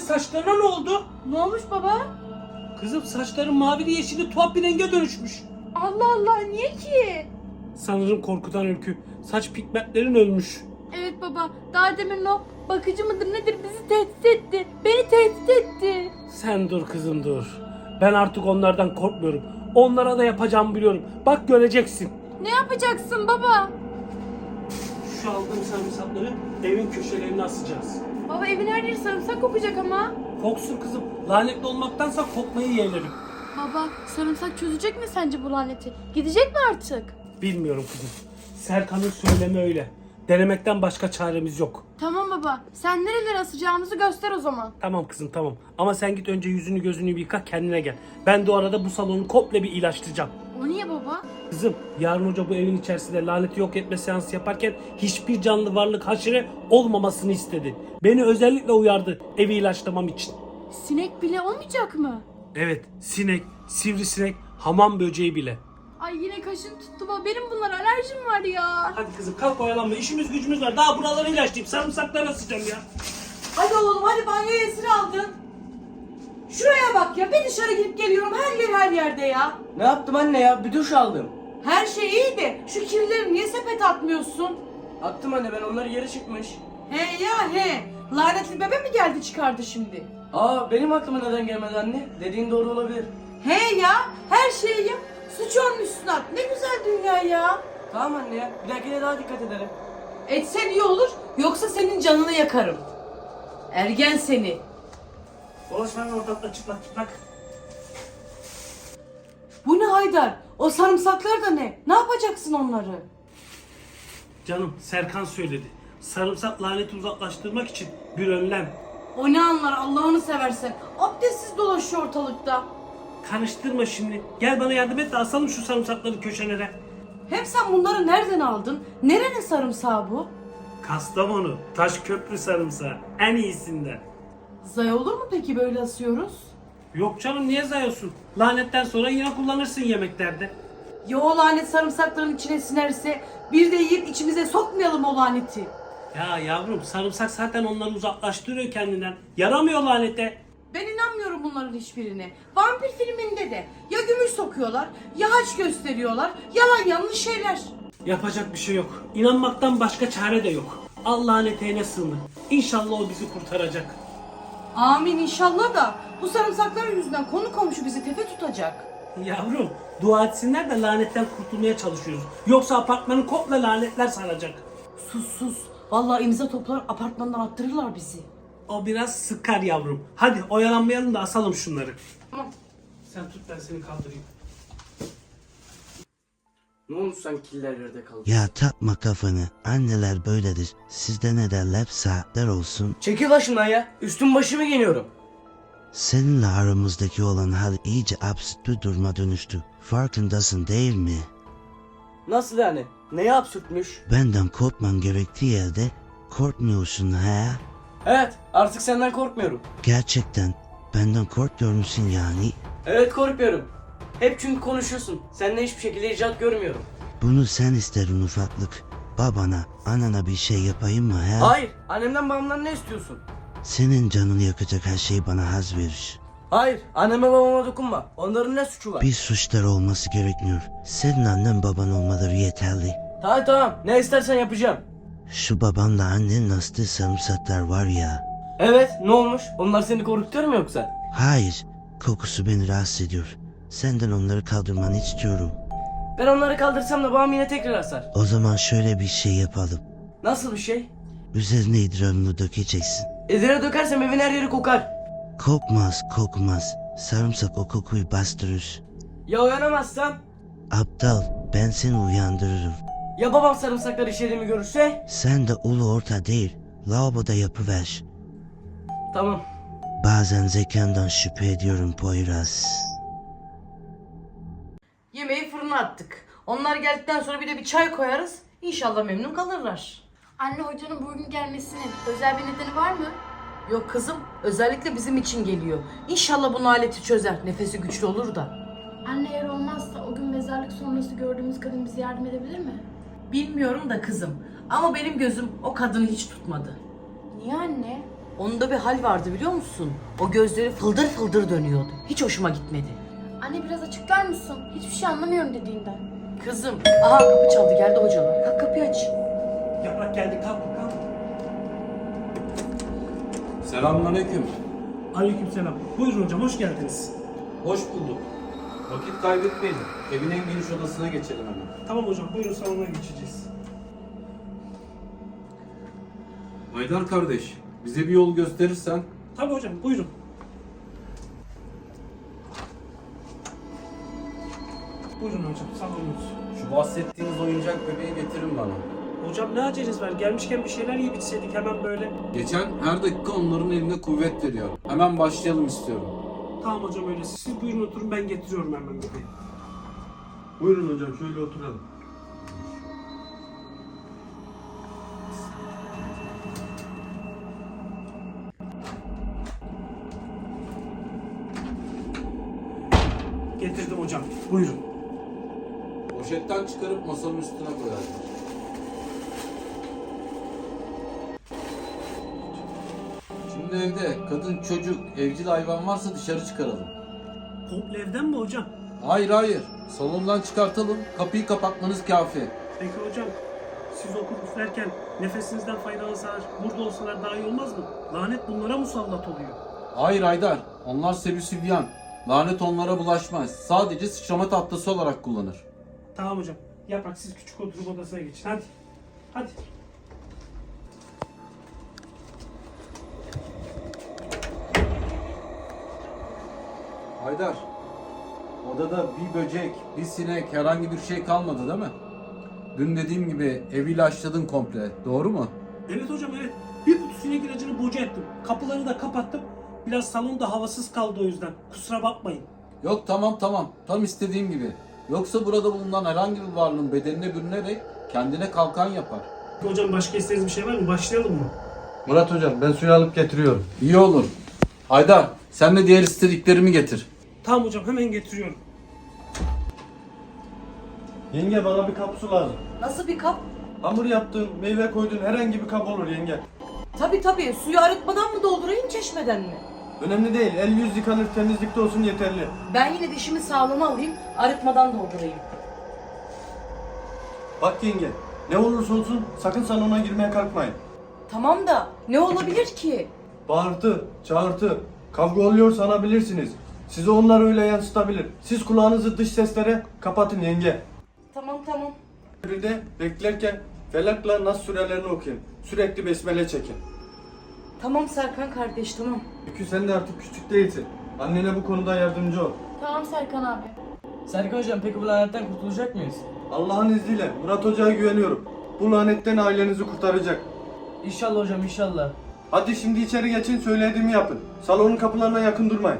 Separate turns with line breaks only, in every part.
saçlarına ne oldu?
Ne olmuş baba?
Kızım saçların mavili yeşili tuhaf bir renge dönüşmüş.
Allah Allah, niye ki?
Sanırım korkudan Öykü. Saç pigmentlerin ölmüş.
Evet baba, daha demin o bakıcı mıdır nedir bizi tehdit etti. Beni tehdit etti.
Sen dur kızım dur. Ben artık onlardan korkmuyorum. Onlara da yapacağımı biliyorum. Bak göreceksin.
Ne yapacaksın baba?
Şu aldığım sarımsakları evin köşelerine asacağız.
Baba evin her yeri sarımsak kokacak ama.
Koksun kızım. Lanetli olmaktansa kokmayı yeğlerim.
Baba sarımsak çözecek mi sence bu laneti? Gidecek mi artık?
Bilmiyorum kızım. Serkan'ın söylemi öyle. Denemekten başka çaremiz yok.
Tamam baba, sen nerelere asacağımızı göster o zaman.
Tamam kızım tamam. Ama sen git önce yüzünü gözünü bir yıka, kendine gel. Ben de o arada bu salonu komple bir ilaçlayacağım.
O niye baba?
Kızım yarın hoca bu evin içerisinde laneti yok etme seansı yaparken hiçbir canlı varlık haşere olmamasını istedi. Beni özellikle uyardı evi ilaçlamam için.
Sinek bile olmayacak mı?
Evet, sinek, sivrisinek, hamam böceği bile.
Ay yine kaşın tuttu baba, benim bunlara alerjim var ya.
Hadi kızım kalk oyalanma, işimiz gücümüz var. Daha buraları ilaçlayıp sarımsakları asacağım ya.
Hadi oğlum hadi banyoya esir aldın. Şuraya bak ya, bir dışarı gidip geliyorum, her yer her yerde ya.
Ne yaptım anne ya? Bir duş aldım.
Her şey iyi de şu kirleri niye sepete atmıyorsun?
Attım anne, ben onları yere çıkmış.
He ya he. Lanetli bebe mi geldi çıkardı şimdi?
Aa, benim aklıma neden gelmedi anne? Dediğin doğru olabilir.
He ya, her şeyi yap. Suç onun üstüne at. Ne güzel dünya ya.
Tamam anne ya, bir dahakine daha dikkat ederim.
Etsen iyi olur, yoksa senin canını yakarım. Ergen seni.
Dolaşmanın ortalıkta çıplak çıplak.
Bu ne Haydar? O sarımsaklar da ne? Ne yapacaksın onları?
Canım Serkan söyledi. Sarımsak laneti uzaklaştırmak için bir önlem.
O ne anlar Allah'ını seversen. Abdestsiz dolaşıyor ortalıkta.
Karıştırma şimdi. Gel bana yardım et de asalım şu sarımsakları köşelere.
Hem sen bunları nereden aldın? Nerenin sarımsağı bu?
Kastamonu, Taşköprü sarımsağı. En iyisinden.
Zay olur mu peki böyle asıyoruz?
Yok canım niye zayıyorsun? Lanetten sonra yine kullanırsın yemeklerde.
Ya o lanet sarımsakların içine sinerse bir de yiyip içimize sokmayalım o laneti.
Ya yavrum sarımsak zaten onları uzaklaştırıyor kendinden. Yaramıyor lanete.
Ben inanmıyorum bunların hiçbirine. Vampir filminde de ya gümüş sokuyorlar ya haç gösteriyorlar. Yalan yanlış şeyler.
Yapacak bir şey yok. İnanmaktan başka çare de yok. Al laneteğine sığınır. İnşallah o bizi kurtaracak.
Amin inşallah da bu sarımsakların yüzünden konu komşu bizi tepe tutacak.
Yavrum dua etsinler de lanetten kurtulmaya çalışıyoruz. Yoksa apartmanı komple lanetler saracak.
Sus sus. Vallahi imza toplar apartmandan attırırlar bizi.
O biraz sıkar yavrum. Hadi oyalanmayalım da asalım şunları.
Tamam.
Sen tut ben seni kaldırayım.
Ne olmuş sanki killer yerde kaldı?
Ya takma kafanı. Anneler böyledir. Sizde ne derler? Saatler olsun.
Çekil başımdan ya. Üstüm başımı giyiniyorum.
Seninle aramızdaki olan hal iyice absürt bir duruma dönüştü. Farkındasın değil mi?
Nasıl yani? Neye absürtmüş?
Benden korkman gerektiği yerde korkmuyorsun ha?
Evet, artık senden korkmuyorum.
Gerçekten benden korkmuyor musun yani?
Evet, korkmuyorum. Hep çünkü konuşuyorsun. Seninle hiçbir şekilde icat görmüyorum.
Bunu sen isterin ufaklık. Babana, anana bir şey yapayım mı ha?
Hayır, annemden babamdan ne istiyorsun?
Senin canını yakacak her şey bana haz verir.
Hayır, anneme babama dokunma. Onların ne suçu var?
Bir suçları olması gerekmiyor. Senin annen baban olmaları yeterli.
Tamam tamam, ne istersen yapacağım.
Şu babanla annenin astığı sarımsaklar var ya.
Evet, ne olmuş? Onlar seni korkutuyor mu yoksa?
Hayır, kokusu beni rahatsız ediyor. Senden onları kaldırmanı istiyorum.
Ben onları kaldırsam da babam yine tekrar asar.
O zaman şöyle bir şey yapalım.
Nasıl bir şey?
Üzerine idrarını dökeceksin.
Ezere dökersem evin her yeri kokar.
Kokmaz, kokmaz. Sarımsak o kokuyu bastırır.
Ya uyanamazsam?
Aptal, ben seni uyandırırım.
Ya babam sarımsakları işlediğimi görürse?
Sen de ulu orta değil, lavaboda yapıver.
Tamam.
Bazen zekandan şüphe ediyorum Poyraz.
Yemeği fırına attık. Onlar geldikten sonra bir de bir çay koyarız. İnşallah memnun kalırlar.
Anne hocanın bugün gelmesinin özel bir nedeni var mı?
Yok kızım, özellikle bizim için geliyor. İnşallah bu aleti çözer. Nefesi güçlü olur da.
Anne eğer olmazsa o gün mezarlık sonrası gördüğümüz kadın bize yardım edebilir mi?
Bilmiyorum da kızım. Ama benim gözüm o kadını hiç tutmadı.
Niye anne?
Onda bir hal vardı biliyor musun? O gözleri fıldır fıldır dönüyordu. Hiç hoşuma gitmedi.
Anne biraz açıklar mısın? Hiçbir şey anlamıyorum dediğinden.
Kızım, aha kapı çaldı, geldi hocalar. Kalk kapıyı aç.
Yaprak geldi, kalk.
Selamünaleyküm.
Aleykümselam. Buyurun hocam, hoş geldiniz.
Hoş bulduk. Vakit kaybetmeyin. Evin en geniş odasına geçelim hemen.
Tamam hocam, buyurun salona geçeceğiz.
Haydar kardeş, bize bir yol gösterirsen.
Tabii hocam, buyurun. Buyurun hocam, salonunuz.
Şu bahsettiğiniz oyuncak bebeği getirin bana.
Hocam ne aceleniz var? Gelmişken bir şeyler yiyip içseydik hemen böyle.
Geçen her dakika onların eline kuvvet veriyor. Hemen başlayalım istiyorum.
Tamam hocam öyle. Siz buyurun oturun, ben getiriyorum hemen bebeği.
Buyurun hocam şöyle oturalım.
Getirdim hocam. Buyurun.
Poşetten çıkarıp masanın üstüne koyarım. Şimdi evde kadın, çocuk, evcil hayvan varsa dışarı çıkaralım.
Komple evden mi hocam?
Hayır. Salondan çıkartalım. Kapıyı kapatmanız kafi.
Peki hocam, siz okul üflerken nefesinizden faydalansalar, burada olsalar daha iyi olmaz mı? Lanet bunlara musallat oluyor.
Hayır Haydar. Onlar sebüsübyan. Lanet onlara bulaşmaz. Sadece sıçrama tahtası olarak kullanır.
Tamam hocam. Yaprak siz küçük oturup odasına geçin. Hadi. Hadi.
Haydar. Odada bir böcek, bir sinek, herhangi bir şey kalmadı değil mi? Dün dediğim gibi evi ilaçladın komple. Doğru mu?
Evet hocam evet. Bir kutu sinek ilacını boca ettim. Kapıları da kapattım. Biraz salonda havasız kaldı o yüzden. Kusura bakmayın.
Yok tamam. Tam istediğim gibi. Yoksa burada bulunan herhangi bir varlığın bedenine bürünerek kendine kalkan yapar.
Hocam başka istediğiniz bir şey var mı? Başlayalım mı?
Murat hocam ben suyu alıp getiriyorum.
İyi olur. Haydar sen de diğer istediklerimi getir.
Tamam hocam hemen getiriyorum.
Yenge bana bir kap su lazım.
Nasıl bir kap?
Hamur yaptığın, meyve koyduğun herhangi bir kap olur yenge.
Tabii, suyu arıtmadan mı doldurayım, çeşmeden mi?
Önemli değil, el yüz yıkanır, temizlikte olsun yeterli.
Ben yine dişimi sağlama alayım, arıtmadan doldurayım.
Bak yenge, ne olursa olsun sakın salona girmeye kalkmayın.
Tamam da ne olabilir ki?
Bağırtı, çağırtı, kavga oluyor sanabilirsiniz. Sizi onlar öyle yansıtabilir. Siz kulağınızı dış seslere kapatın yenge.
Tamam.
Bir de beklerken Felak'la Nas surelerini okuyun. Sürekli besmele çekin.
Tamam Serkan kardeş, tamam.
Çünkü sen de artık küçük değilsin. Annene bu konuda yardımcı ol.
Tamam Serkan abi.
Serkan hocam peki bu lanetten kurtulacak mıyız?
Allah'ın izniyle Murat Hoca'ya güveniyorum. Bu lanetten ailenizi kurtaracak.
İnşallah hocam inşallah.
Hadi şimdi içeri geçin, söylediğimi yapın. Salonun kapılarına yakın durmayın.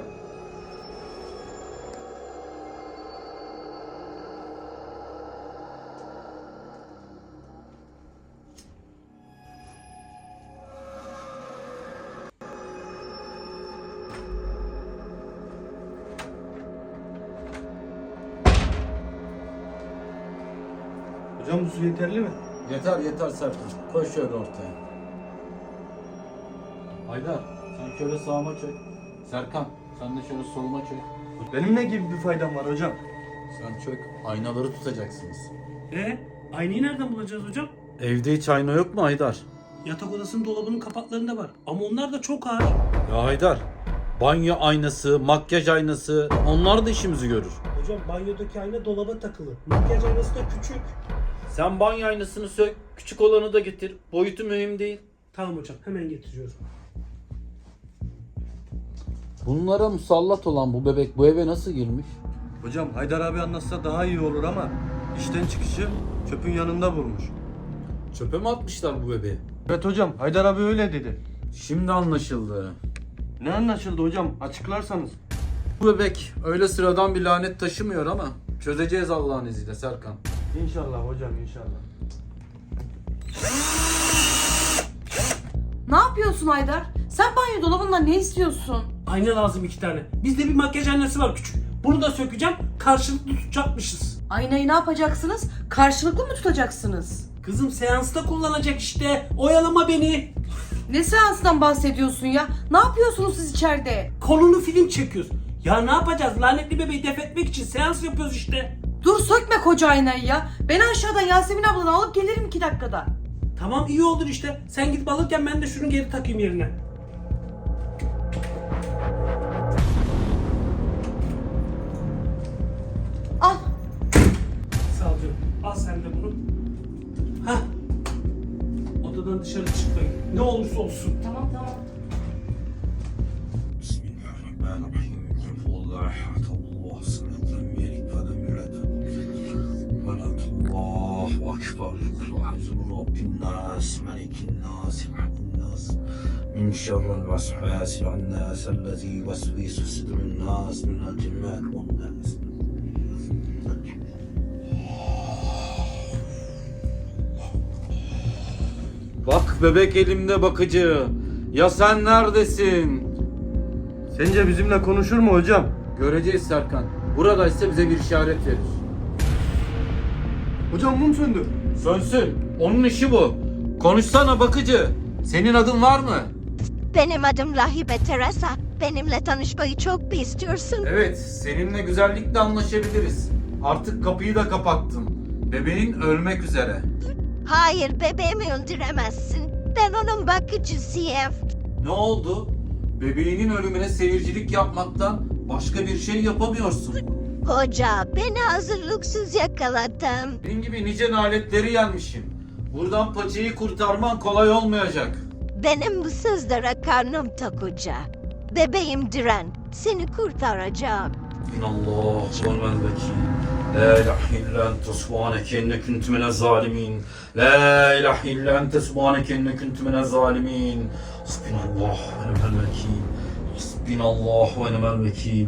Hocam bu su yeterli mi?
Yeter Serkan. Koy şöyle ortaya. Haydar sen şöyle sağıma çök. Serkan sen de şöyle soluma çök.
Benim ne gibi bir faydam var hocam?
Sen çök. Aynaları tutacaksınız.
Aynayı nereden bulacağız hocam?
Evde hiç ayna yok mu Haydar?
Yatak odasının dolabının kapaklarında var. Ama onlar da çok ağır.
Ya Haydar. Banyo aynası, makyaj aynası onlar da işimizi görür.
Hocam banyodaki ayna dolaba takılı. Makyaj aynası da küçük.
Sen banyo aynasını sök. Küçük olanı da getir. Boyutu mühim değil.
Tamam hocam hemen getiriyorum.
Bunlara musallat olan bu bebek bu eve nasıl girmiş?
Hocam Haydar abi anlatsa daha iyi olur ama işten çıkışı çöpün yanında bulmuş.
Çöpe mi atmışlar bu bebeği?
Evet hocam Haydar abi öyle dedi.
Şimdi anlaşıldı.
Ne anlaşıldı hocam? Açıklarsanız.
Bu bebek öyle sıradan bir lanet taşımıyor ama çözeceğiz Allah'ın izniyle Serkan.
İnşallah hocam inşallah.
Ne yapıyorsun Haydar? Sen banyo dolabından ne istiyorsun?
Ayna lazım 2 tane. Bizde bir makyaj aynası var küçük. Bunu da sökeceğim. Karşılıklı tutacakmışız.
Aynayı ne yapacaksınız? Karşılıklı mı tutacaksınız?
Kızım seansta kullanacak işte. Oyalama beni.
Ne seansından bahsediyorsun ya? Ne yapıyorsunuz siz içeride?
Konulu film çekiyoruz. Ya ne yapacağız? Lanetli bebeği def etmek için seans yapıyoruz işte.
Dur sökme koca aynayı ya. Ben aşağıdan Yasemin ablanı alıp gelirim 2 dakikada.
Tamam iyi olur işte. Sen gidip alırken ben de şunu geri takayım yerine.
Al.
Sağ ol canım. Al sen de bunu. Hah. Odadan dışarı çıkmayın. Ne olursa olsun.
Tamam tamam.
Bismillahirrahmanirrahim. Kul huvallahu ehad, Allahu samed, lem yelid ve lem yulad. Ve lem Allahu ekber. Kul a'udhu bi rabbin nas, melikin nas, ilahin nas. Min şerril vesvesil nas, ellezî yuvesvisu fi sudurin nas, minel cinneti ven nas.
Bak bebek elimde bakıcı. Ya sen neredesin?
Sence bizimle konuşur mu hocam?
Göreceğiz Serkan. Buradaysa bize bir işaret verir.
Hocam mum söndü.
Sönsün. Onun işi bu. Konuşsana bakıcı. Senin adın var mı?
Benim adım Rahibe Teresa. Benimle tanışmayı çok mu istiyorsun?
Evet, seninle güzellikle anlaşabiliriz. Artık kapıyı da kapattım. Bebeğin ölmek üzere.
Hayır, bebeğimi öldüremezsin. Ben onun bakıcısıyım.
Ne oldu? Bebeğinin ölümüne seyircilik yapmaktan başka bir şey yapamıyorsun.
Hoca, beni hazırlıksız yakaladın.
Benim gibi nice naletleri yenmişim. Buradan paçayı kurtarman kolay olmayacak.
Benim bu sözlere karnım tok hoca. Bebeğim Diren, seni kurtaracağım.
Allah subhanahu ve La ilahe illa ente subhaneke inni kuntu minez zalimin. La ilahe illa ente subhaneke inni kuntu minez zalimin. Hasbinallah ve ni'mel vekil. Hasbinallah ve ni'mel vekil.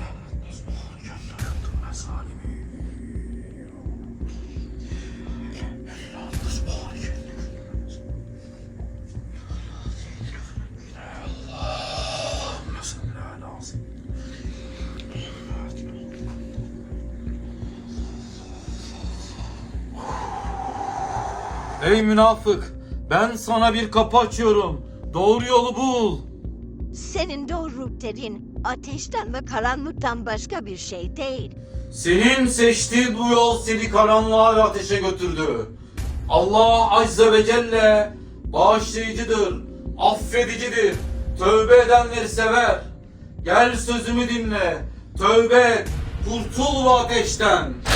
Ey münafık! Ben sana bir kapı açıyorum. Doğru yolu bul.
Senin doğru dediğin ateşten ve karanlıktan başka bir şey değil.
Senin seçtiğin bu yol seni karanlığa ve ateşe götürdü. Allah Azze ve Celle bağışlayıcıdır, affedicidir, tövbe edenleri sever. Gel sözümü dinle, tövbe et, kurtul bu ateşten.